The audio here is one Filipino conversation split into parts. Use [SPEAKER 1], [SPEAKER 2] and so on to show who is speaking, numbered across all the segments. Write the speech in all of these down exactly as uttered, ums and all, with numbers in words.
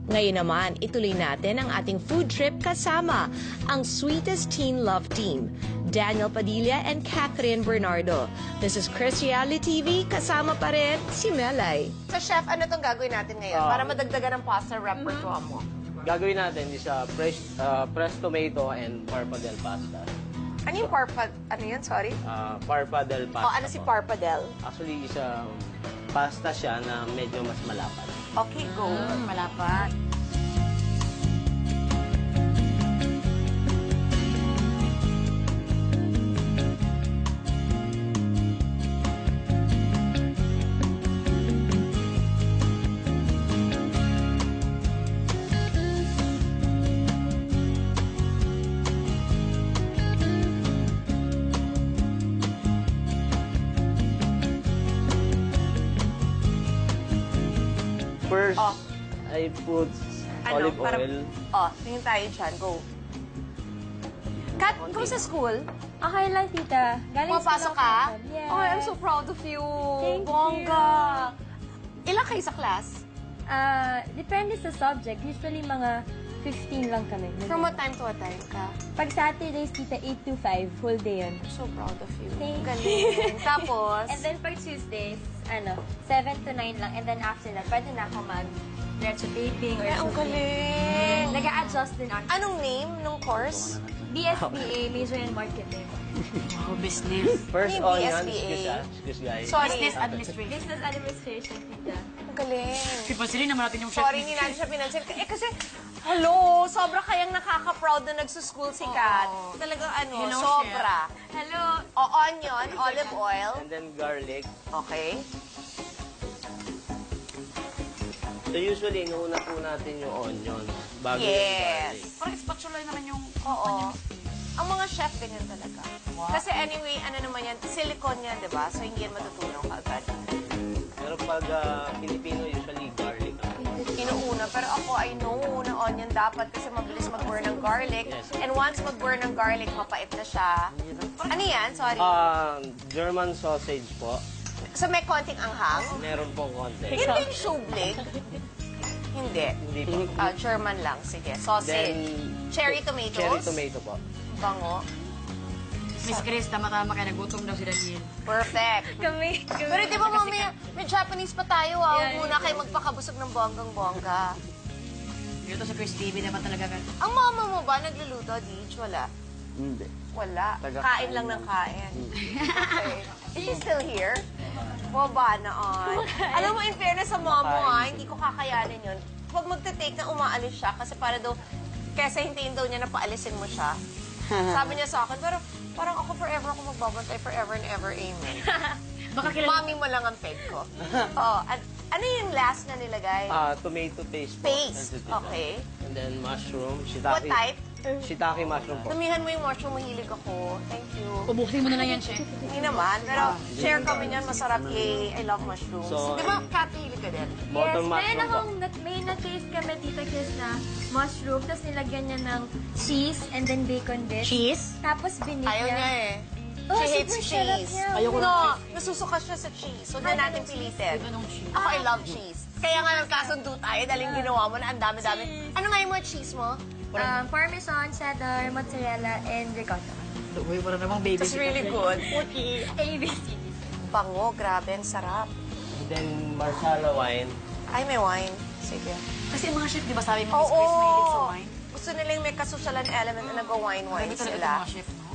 [SPEAKER 1] Ngayon naman, ituloy natin ang ating food trip kasama ang Sweetest Teen Love Team, Daniel Padilla and Catherine Bernardo. This is Chris Reality T V, kasama pa rin si Melay.
[SPEAKER 2] So chef, ano itong gagawin natin ngayon
[SPEAKER 3] Uh,
[SPEAKER 2] para madagdagan ang pasta repertoire mo?
[SPEAKER 3] Gagawin natin is uh, fresh, uh, fresh tomato and parpadel pasta.
[SPEAKER 2] Ano yung parpa... Ano yun? Sorry?
[SPEAKER 3] Uh, parpadel pasta
[SPEAKER 2] O ano si
[SPEAKER 3] po.
[SPEAKER 2] parpadel?
[SPEAKER 3] Actually, is um, pasta siya na medyo mas malapad.
[SPEAKER 2] Okay, go.
[SPEAKER 4] Mm, malapad.
[SPEAKER 3] First,
[SPEAKER 2] Oh.
[SPEAKER 3] I put
[SPEAKER 2] Ano?
[SPEAKER 3] olive
[SPEAKER 2] Para-
[SPEAKER 3] oil.
[SPEAKER 2] Oh, tingin tayo dyan. Go. Kat, kumusta school?
[SPEAKER 4] Okay lang, tita. Galing
[SPEAKER 2] Pumapasok
[SPEAKER 4] school
[SPEAKER 2] ka?
[SPEAKER 4] ako. Yes.
[SPEAKER 2] Oh, I'm so proud of you.
[SPEAKER 4] Thank
[SPEAKER 2] Bongga. Ilan kayo sa class?
[SPEAKER 4] Ah, depende sa subject. Usually, mga fifteen lang kami.
[SPEAKER 2] From what time to what time ka?
[SPEAKER 4] Pag Saturdays, tita, eight to five. Whole day yun.
[SPEAKER 2] I'm so proud of you.
[SPEAKER 4] Thank
[SPEAKER 2] Galing. Tapos,
[SPEAKER 4] And then, pag Tuesdays, ano, seven to nine lang. And then, after that, pwede na ako mag diretso taping or
[SPEAKER 2] ay, ang
[SPEAKER 4] something.
[SPEAKER 2] galing.
[SPEAKER 4] Nag-a-adjust din ako.
[SPEAKER 2] Anong name nung course?
[SPEAKER 4] B S B A, Major in Marketing.
[SPEAKER 5] Oh, business.
[SPEAKER 3] First
[SPEAKER 2] Ano yung
[SPEAKER 3] onion,
[SPEAKER 2] B S B A?
[SPEAKER 3] excuse, ah, excuse guys.
[SPEAKER 2] Sorry.
[SPEAKER 5] Business administration.
[SPEAKER 4] Business Administration, tita.
[SPEAKER 2] Ang galing.
[SPEAKER 5] Pipansin naman natin yung chef.
[SPEAKER 2] Sorry, hindi natin siya pinansin. Eh kasi, hello, sobra kayang nakaka-proud na nagsuschool si Kat. Talagang ano,
[SPEAKER 5] Hello,
[SPEAKER 2] sobra.
[SPEAKER 4] Hello.
[SPEAKER 2] O, onion, olive oil.
[SPEAKER 3] And then garlic.
[SPEAKER 2] Okay.
[SPEAKER 3] So usually, inuuna po natin yung onion bago yung garlic.
[SPEAKER 2] Yes.
[SPEAKER 5] Parang spatula naman yung...
[SPEAKER 2] Oo. Ang mga chef, ganyan talaga. Kasi anyway, ano naman yan, silicone yan, di ba? So, hindi yan matutunaw kaagad.
[SPEAKER 3] Pero pag ah, Filipino, usually garlic.
[SPEAKER 2] Inuuna. Pero ako, I know na onion dapat kasi mabilis mag-burn ng garlic.
[SPEAKER 3] Yes.
[SPEAKER 2] And once mag-burn ng garlic, mapait na siya. Ano yan? Sorry.
[SPEAKER 3] Ah, German sausage po.
[SPEAKER 2] So, may konting anghang?
[SPEAKER 3] Meron pong konti.
[SPEAKER 2] Hindi yung shublig. Hindi.
[SPEAKER 3] Hindi po.
[SPEAKER 2] Ah, German lang. Sige. Sausage.
[SPEAKER 3] Then,
[SPEAKER 2] Cherry tomatoes?
[SPEAKER 3] Cherry tomato po.
[SPEAKER 2] Bango.
[SPEAKER 5] Miss Chris, tama-tama kaya nagutom daw si Daniel.
[SPEAKER 2] Perfect.
[SPEAKER 4] Kami. kami
[SPEAKER 2] Pero di ba mamaya, may Japanese pa tayo ah. Huwag
[SPEAKER 4] Yeah,
[SPEAKER 2] muna kayo magpakabusog ng bonggang-bongga.
[SPEAKER 5] Dito sa Chris T V naman talaga ka.
[SPEAKER 2] Ang mama mo ba nagluluto, Deej? Wala.
[SPEAKER 3] Hindi.
[SPEAKER 2] Wala.
[SPEAKER 3] Taga-
[SPEAKER 2] Kain lang ng kain. Okay. Is she still here? Baba na on. Alam mo, in fairness sa mom mo ah, hindi ko kakayanin yun. Huwag magte-take na umaalis siya kasi para daw, kesa hintayin daw niya na paalisin mo siya. Sabi niya sa akin, pero parang ako forever ako magbabantay, forever and ever, amen.
[SPEAKER 5] Baka kilala...
[SPEAKER 2] Mami mo lang ang peg ko. Oh, an- ano yung last na nilagay?
[SPEAKER 3] Ah, tomato paste po.
[SPEAKER 2] Paste.
[SPEAKER 3] Sensitive.
[SPEAKER 2] Okay.
[SPEAKER 3] And then mushroom,
[SPEAKER 2] What
[SPEAKER 3] shiitake.
[SPEAKER 2] type?
[SPEAKER 3] Shiitake mushroom po.
[SPEAKER 2] Damihan mo yung mushroom, mahilig ako. Thank you.
[SPEAKER 5] Ubusin mo na lang yan, chef.
[SPEAKER 2] Hindi naman, pero share kami niyan, masarap. Yay, I love mushrooms.
[SPEAKER 3] So,
[SPEAKER 2] Di ba, Kat, mahilig ka din?
[SPEAKER 4] Yes,
[SPEAKER 3] Bottom
[SPEAKER 4] meron
[SPEAKER 3] mushroom po.
[SPEAKER 4] akong, nat- may na-taste kami, Tita Chris, na mushroom, tapos nilagyan niya ng cheese and then bacon bits.
[SPEAKER 5] Cheese?
[SPEAKER 4] Tapos binig
[SPEAKER 2] Ayaw niya eh.
[SPEAKER 4] Oh,
[SPEAKER 2] She hates
[SPEAKER 4] super sarap
[SPEAKER 2] cheese.
[SPEAKER 4] niya.
[SPEAKER 5] Ayoko
[SPEAKER 2] no,
[SPEAKER 5] ng
[SPEAKER 2] nasusuka siya sa cheese. So, na
[SPEAKER 4] Ayaw
[SPEAKER 2] natin
[SPEAKER 4] ng cheese.
[SPEAKER 2] pilitin.
[SPEAKER 5] Anong cheese?
[SPEAKER 2] Ako, I love cheese. Kaya nga nagkasundo tayo dahil yung ginawa mo na ang dami-dami. Ano nga yung mga cheese mo?
[SPEAKER 4] Um, Parmesan, cheddar, mozzarella, and ricotta.
[SPEAKER 5] Uy, para namang baby.
[SPEAKER 2] It's really good.
[SPEAKER 4] A B C.
[SPEAKER 2] Bango, grabe, ang sarap.
[SPEAKER 3] And then marsala wine.
[SPEAKER 2] Ay, may wine. Sige.
[SPEAKER 5] Kasi yung mga chef, di ba sabi mo, Miss
[SPEAKER 2] Oo.
[SPEAKER 5] Chris, mahilig sa wine?
[SPEAKER 2] Gusto nila yung may kasosyalan element na nag-wine-wine
[SPEAKER 5] Grabe talaga
[SPEAKER 2] sila.
[SPEAKER 5] itong mga chef, no?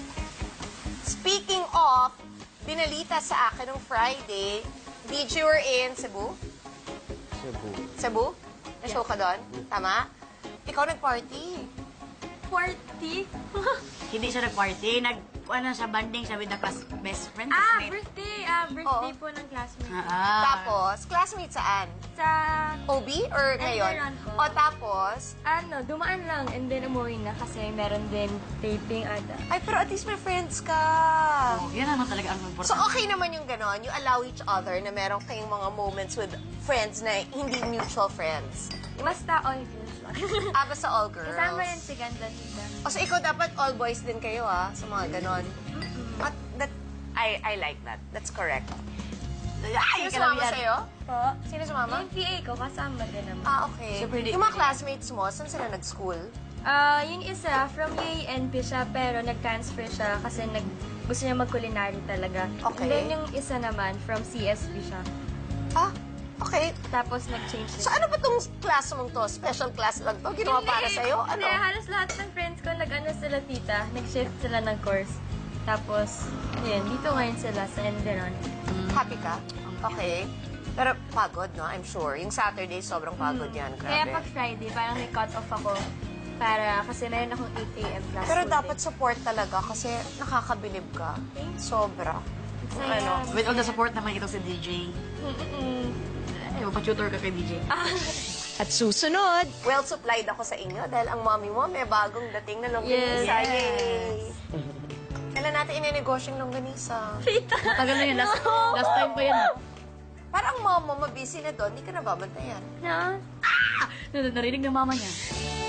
[SPEAKER 2] Speaking of, binalita sa akin nung Friday, did you were in Cebu?
[SPEAKER 3] Cebu.
[SPEAKER 2] Cebu? Na-show ka doon? Tama? Ikaw nag-party.
[SPEAKER 4] Party?
[SPEAKER 5] Hindi siya nag-party. Nag, ano, sa banding siya with the class best friend.
[SPEAKER 4] ah,
[SPEAKER 5] classmate.
[SPEAKER 4] birthday. Ah, birthday
[SPEAKER 2] Oo.
[SPEAKER 4] po ng classmate.
[SPEAKER 5] Ah.
[SPEAKER 2] Tapos, classmate saan?
[SPEAKER 4] Sa,
[SPEAKER 2] O B or ngayon?
[SPEAKER 4] Enteron po.
[SPEAKER 2] O tapos,
[SPEAKER 4] ano, dumaan lang and then umuwi na kasi meron din taping ata.
[SPEAKER 2] ay pero at least may friends ka.
[SPEAKER 5] Oh, yan naman talaga ang important.
[SPEAKER 2] So okay naman yung ganon, you allow each other na meron kayong mga moments with friends na hindi mutual friends.
[SPEAKER 4] Basta all girls lang.
[SPEAKER 2] Ah, basta all girls.
[SPEAKER 4] Kasama rin si Ganda Tita.
[SPEAKER 2] O so ikaw dapat all boys din kayo ah, sa mga ganon. At that, I, I like that. That's correct. Ay, sumama
[SPEAKER 5] Kalabian.
[SPEAKER 2] sa'yo?
[SPEAKER 4] Po.
[SPEAKER 2] Sino sumama?
[SPEAKER 4] Yung P A ko, kasama din naman.
[SPEAKER 2] Ah, okay.
[SPEAKER 5] Super di-
[SPEAKER 2] Yung mga classmates mo, saan sila nag-school?
[SPEAKER 4] Ah, yung isa, from U A N P siya, pero nag-transfer siya kasi nag, gusto niya mag-culinary talaga.
[SPEAKER 2] Okay.
[SPEAKER 4] And then yung isa naman, from C S B siya.
[SPEAKER 2] Ah, okay.
[SPEAKER 4] Tapos nag-change din.
[SPEAKER 2] So ano ba tong class mong to? Special class lang to? Ginawa para sa'yo? Ano?
[SPEAKER 4] Hindi, halos lahat ng friends ko, nag-ano sila tita, nag-shift sila ng course. Tapos, yun, dito ngayon sila sa Enderon.
[SPEAKER 2] Happy ka? Okay. Pero pagod, no? I'm sure. Yung Saturday, sobrang pagod yan.
[SPEAKER 4] Kaya
[SPEAKER 2] Grabe.
[SPEAKER 4] pag Friday, parang may cut-off ako. Para, kasi meron akong eight A M class.
[SPEAKER 2] Pero
[SPEAKER 4] full
[SPEAKER 2] dapat
[SPEAKER 4] day.
[SPEAKER 2] support talaga kasi nakakabilib ka. Sobra.
[SPEAKER 4] Saya.
[SPEAKER 2] Ano?
[SPEAKER 5] With all the support naman ito si D J.
[SPEAKER 4] Mm-mm.
[SPEAKER 5] Ay, mapatutor ka kay D J.
[SPEAKER 1] At susunod,
[SPEAKER 2] Well supplied ako sa inyo dahil ang mommy mo may bagong dating na longganisa.
[SPEAKER 4] Yes.
[SPEAKER 2] Yay! Kailan natin ininegosyo yung longganisa?
[SPEAKER 5] Matagal na yun. Last, last time pa yun.
[SPEAKER 2] Parang mom mo mabisi na doon, di ka na babantayan.
[SPEAKER 4] Na?
[SPEAKER 5] Nar- Narinig ng mama niya.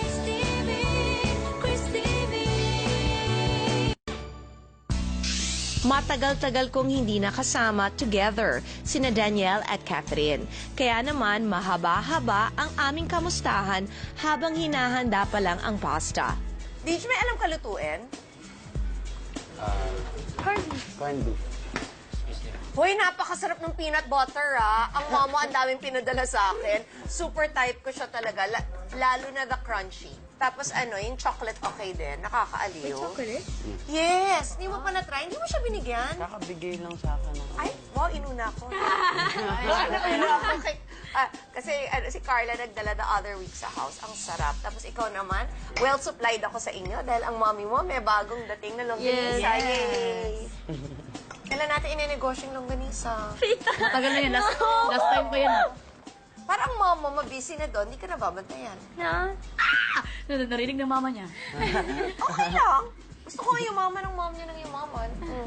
[SPEAKER 1] matagal-tagal kong hindi nakasama together sina Danielle at Catherine. Kaya naman mahaba-haba ang aming kamustahan habang hinahanda pa lang ang pasta.
[SPEAKER 2] Di may alam ka lutuin?
[SPEAKER 3] Corned beef.
[SPEAKER 2] Hoy, napakasarap ng peanut butter, ah. Ang mama ang daming pinadala sa akin. Super type ko siya talaga. La- lalo na the crunchy. Tapos ano, yung chocolate okay din. Nakakaaliw.
[SPEAKER 4] Chocolate?
[SPEAKER 2] Yes! Hindi mo pa na-try? Hindi mo siya binigyan?
[SPEAKER 3] Kakabigay lang sa akin. ng-
[SPEAKER 2] Ay, wow, inuna ko. Inuna ako kay... Ah, kasi ano, si Carla nagdala the other week sa house. Ang sarap. Tapos ikaw naman, well supplied ako sa inyo dahil ang mommy mo may bagong dating na longganisa.
[SPEAKER 4] Yes.
[SPEAKER 2] Yay! Kailan natin inenegosyo yung longganisa?
[SPEAKER 5] Matagal na yun. Last, last time pa yun.
[SPEAKER 2] Parang mom mo, mabisi na doon, di ka na babantayan.
[SPEAKER 4] Na?
[SPEAKER 5] Nar- Narinig ng mama niya.
[SPEAKER 2] Okay lang. Gusto ko yung mama ng mom niya ng yung mama. Mm.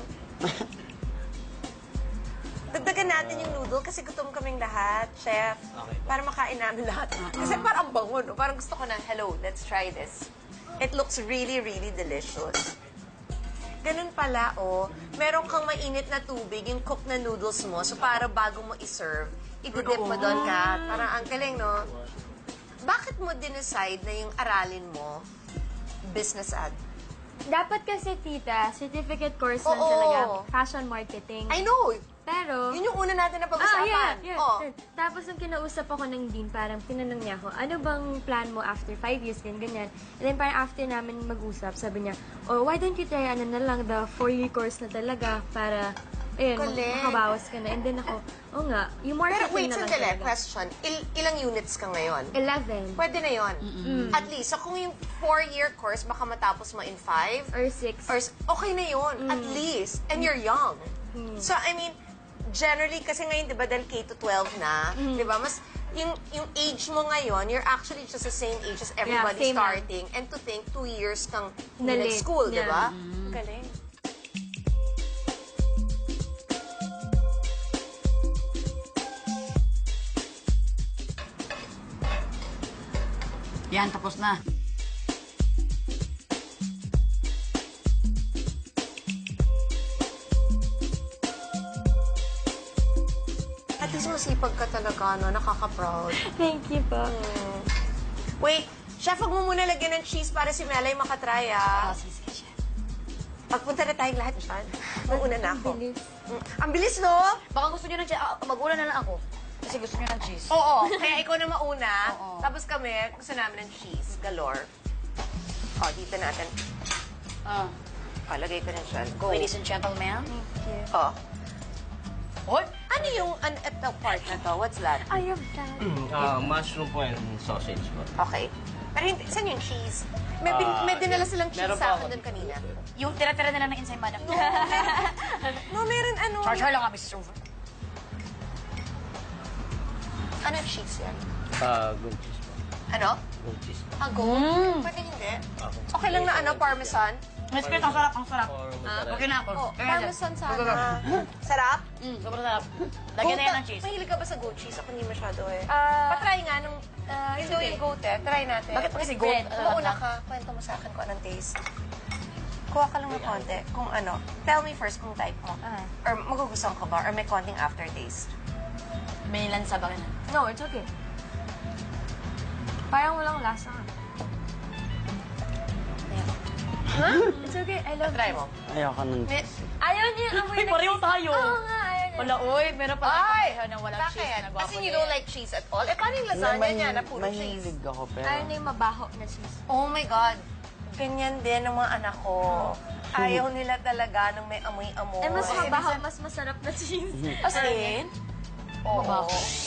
[SPEAKER 2] Dagdagan natin yung noodle kasi gutom kaming lahat, chef.
[SPEAKER 3] Okay.
[SPEAKER 2] Para makain namin lahat. Kasi parang bango, no? Parang gusto ko na, hello, let's try this. It looks really, really delicious. Ganun pala, oh. Meron kang mainit na tubig, yung cooked na noodles mo. So, para bago mo i-serve, i-dip mo doon ka. Parang ang galing, no? Bakit mo dinecide na yung aralin mo, business ad?
[SPEAKER 4] Dapat kasi, tita, certificate course lang
[SPEAKER 2] Oo.
[SPEAKER 4] talaga. Fashion marketing.
[SPEAKER 2] I know!
[SPEAKER 4] Pero...
[SPEAKER 2] Yun yung una natin na
[SPEAKER 4] Ah,
[SPEAKER 2] pag-usapan.
[SPEAKER 4] yeah, yeah.
[SPEAKER 2] Oh.
[SPEAKER 4] Tapos nung kinausap ako ng dean, parang tinanong niya ako, ano bang plan mo after five years, ganyan, ganyan. And then parang after namin mag-usap, sabi niya, oh, why don't you try ano na lang, the four-year course na talaga para, ayun,
[SPEAKER 2] Galing.
[SPEAKER 4] makabawas ka na. And then ako, oh nga, yung
[SPEAKER 2] Pero
[SPEAKER 4] marketing
[SPEAKER 2] wait,
[SPEAKER 4] na lang
[SPEAKER 2] sandali.
[SPEAKER 4] talaga.
[SPEAKER 2] Question. Il- ilang units ka ngayon?
[SPEAKER 4] eleven
[SPEAKER 2] Pwede na yon. At least. So kung yung four-year course, baka matapos mo in five,
[SPEAKER 4] or six.
[SPEAKER 2] or s- okay na yon at least. And you're young. So, I mean, generally, kasi ngayon, di ba, dahil K to twelve na, di ba, mas, yung, yung age mo ngayon, you're actually just the same age as everybody
[SPEAKER 4] same lang.
[SPEAKER 2] starting. And to think, two years kang hindi
[SPEAKER 4] Na late.
[SPEAKER 2] nag-school, di
[SPEAKER 4] Yeah.
[SPEAKER 2] ba? Galing.
[SPEAKER 5] Yan, tapos na.
[SPEAKER 2] At least masipag ka talaga, no? Nakaka-proud.
[SPEAKER 4] Thank you po.
[SPEAKER 2] Wait, chef, wag mo muna lagyan ng cheese para si Melay makatry, ah.
[SPEAKER 5] Ah, sige, sige, chef.
[SPEAKER 2] Pagpunta na tayong lahat dyan. Mauna na ako.
[SPEAKER 4] Bilis.
[SPEAKER 2] Mm. Ang bilis, no?
[SPEAKER 5] Baka gusto niyo ng cheese. Ah, mag-una na lang ako. Kasi gusto niyo ng cheese.
[SPEAKER 2] Oo, kaya ikaw na mauna.
[SPEAKER 5] Oo.
[SPEAKER 2] Tapos kami, gusto namin ng cheese, galore. O, dito natin.
[SPEAKER 5] Ah.
[SPEAKER 2] O, lagay ko na dyan. Go.
[SPEAKER 5] Ladies and gentlemen.
[SPEAKER 4] Thank you.
[SPEAKER 2] O.
[SPEAKER 5] Hoy!
[SPEAKER 2] Ano yung, an, ito part na to? What's that?
[SPEAKER 4] I have that.
[SPEAKER 3] Ah, mushroom po and sausage po.
[SPEAKER 2] Okay. Pero hindi, saan yung cheese? May, bin,
[SPEAKER 3] Ah,
[SPEAKER 2] may dinala silang cheese
[SPEAKER 3] meron
[SPEAKER 2] sa
[SPEAKER 3] pa
[SPEAKER 2] akin
[SPEAKER 3] ako
[SPEAKER 2] doon kanina.
[SPEAKER 5] Yung tira-tira nila ng inside madam.
[SPEAKER 2] No, meron ano.
[SPEAKER 5] Charge her lang kami, Missus Over.
[SPEAKER 2] Ano cheese yan?
[SPEAKER 3] Ah, goat cheese po.
[SPEAKER 2] Ano?
[SPEAKER 3] Goat cheese.
[SPEAKER 2] Ah, go? Pwede hindi.
[SPEAKER 3] Okay.
[SPEAKER 2] Okay lang na ano, parmesan?
[SPEAKER 5] Miss Pete, ang sarap, ang sarap.
[SPEAKER 3] Or
[SPEAKER 2] Ah,
[SPEAKER 3] mozzarella.
[SPEAKER 5] Okay na ako.
[SPEAKER 2] Oh,
[SPEAKER 5] Okay na,
[SPEAKER 2] parmesan
[SPEAKER 5] chef.
[SPEAKER 2] sana.
[SPEAKER 5] Go, go, go.
[SPEAKER 2] Sarap?
[SPEAKER 5] Mm, sobrang sarap. Lagyan na yan
[SPEAKER 2] Goat-
[SPEAKER 5] ng cheese.
[SPEAKER 2] Mahilig ka ba sa goat cheese? Ako hindi masyado eh.
[SPEAKER 4] Ah,
[SPEAKER 2] Patry nga nung... Uh, yung
[SPEAKER 4] sige.
[SPEAKER 2] yung goat eh. Try natin.
[SPEAKER 5] Bakit pa kasi goat?
[SPEAKER 4] Bread.
[SPEAKER 5] Ano,
[SPEAKER 2] Mauna
[SPEAKER 5] ano?
[SPEAKER 2] ka. Kwento mo sa akin kung anong taste. Kuha ka lang ng konti. Kung ano. Tell me first kung type mo.
[SPEAKER 4] Ah.
[SPEAKER 2] Or magugustuhan ka ba? Or may konting aftertaste.
[SPEAKER 5] May lansa ba ka na?
[SPEAKER 4] No, it's okay. Parang walang lasa. It's okay, I love
[SPEAKER 2] Try
[SPEAKER 4] cheese.
[SPEAKER 2] mo.
[SPEAKER 3] Ayoko nun.
[SPEAKER 4] Ayaw niya yung amoy
[SPEAKER 5] Uy,
[SPEAKER 4] na
[SPEAKER 5] pareho
[SPEAKER 4] cheese.
[SPEAKER 5] tayo.
[SPEAKER 4] Oo nga, ayaw niya.
[SPEAKER 5] Wala, uy, meron pala
[SPEAKER 2] Ay!
[SPEAKER 5] kapareho ng walang cheese
[SPEAKER 2] Bakit?
[SPEAKER 5] na nagwapo
[SPEAKER 2] Kasi you
[SPEAKER 5] din.
[SPEAKER 2] don't like cheese at all? Eh, paano yung lasagna niya na puro cheese?
[SPEAKER 3] Mahilig ako, pero...
[SPEAKER 4] Ayaw niya yung mabaho na cheese.
[SPEAKER 2] Oh my God. Ganyan din ang mga anak ko. Ayaw nila talaga ng may amoy-amoy.
[SPEAKER 4] Eh, mas mabaho, mas masarap na cheese.
[SPEAKER 2] As in? Oo.